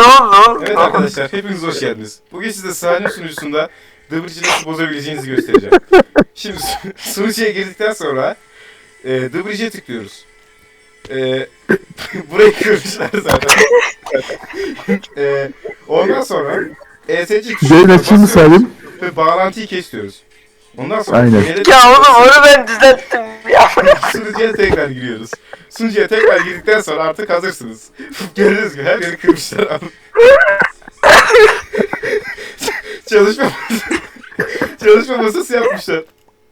oldu? Evet arkadaşlar, hepiniz hoş geldiniz. Bugün size Salim sunucusunda The Bridge'i nasıl bozabileceğinizi göstereceğim. Şimdi sunucuya girdikten sonra The Bridge'e tıklıyoruz. Burayı kırmışlar zaten. Ondan sonra ESC tuşuna Yayın açayım mı basıyoruz Salim? ve bağlantıyı kesiyoruz. Ondan sonra Aynen. Ya oğlum onu ben düzelttim ya. sunucuya tekrar giriyoruz. Sunucuya tekrar girdikten sonra artık hazırsınız. Gördüğünüz gibi her yeri kırmışlar. Çalışma çalışma masası yapmışlar.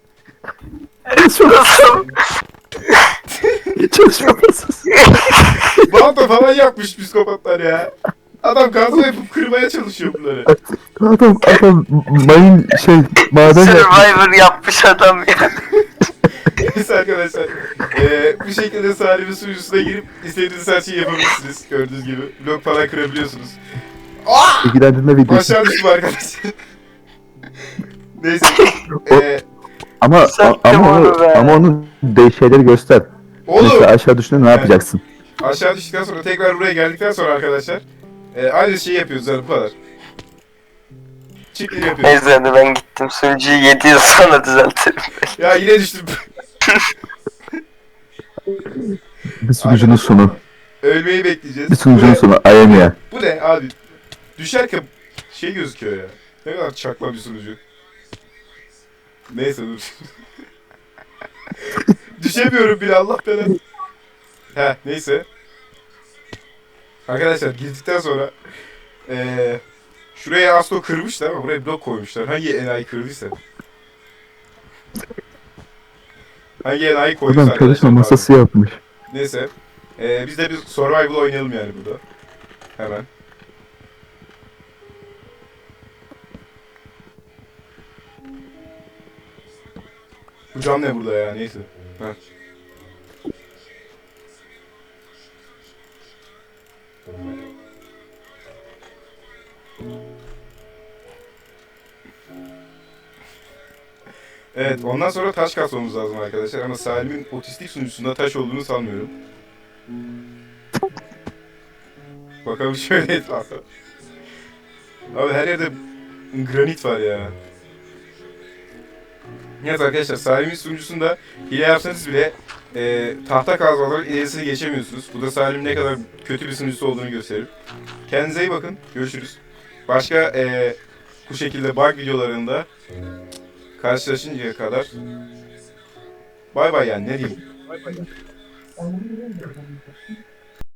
Nasıl? Çalışma masası. Balta falan yapmış psikopatlar ya. Adam gazla yapıp kırmaya çalışıyor bunları. Adam mayın maden yapmış. Survivor yapmış adam ya. Neyse arkadaşlar. Bu şekilde Salim'in sunucusuna girip istediğiniz her şeyi yapabilirsiniz. Gördüğünüz gibi. Blok falan kırabiliyorsunuz. İlgilendirme videosu. Aşağı düştüm arkadaşlar. Neyse. Ama Sattım onu be. onun şeyleri göster. Mesela Oğlum. aşağı düşünce ne yapacaksın? Aşağı düştükten sonra tekrar buraya geldikten sonra arkadaşlar. Aynı şeyi yapıyoruz yani bu kadar. Çiftleri yapıyoruz. Neyse hadi ben gittim sunucuyu 7 yıl sonra düzeltirim. Ya yine düştüm. Bir sunucunun sonu. Ölmeyi bekleyeceğiz. Bir sunucunun sonu. Ayemia. Bu ne abi? Düşerken şey gözüküyor ya. Ne kadar çakma bir sunucu. Neyse dur. Düşemiyorum bile Allah belanı. He neyse. Arkadaşlar girdikten sonra şuraya Asko kırmışlar ama buraya blok koymuşlar. Hangi enayi kırdıysa. Hangi enayi koyduysa Adam arkadaşlar. çalışma masası yapmış. Neyse. Biz de bir survival oynayalım yani burada. Hemen. Bu cam ne burada ya neyse. Ha. Evet ondan sonra taş kasmamız lazım arkadaşlar ama Salim'in otistik sunucusunda taş olduğunu sanmıyorum. Bakalım şöyle etrafa. Abi her yerde granit var ya. Evet arkadaşlar Salim'in sunucusunda hile yapsanız bile tahta kazmaların ilerisine geçemiyorsunuz. Bu da Salim'in ne kadar kötü bir sunucusu olduğunu gösterir. Kendinize iyi bakın. Görüşürüz. Başka bu şekilde bug videolarında karşılaşıncaya kadar bay bay yani ne diyeyim.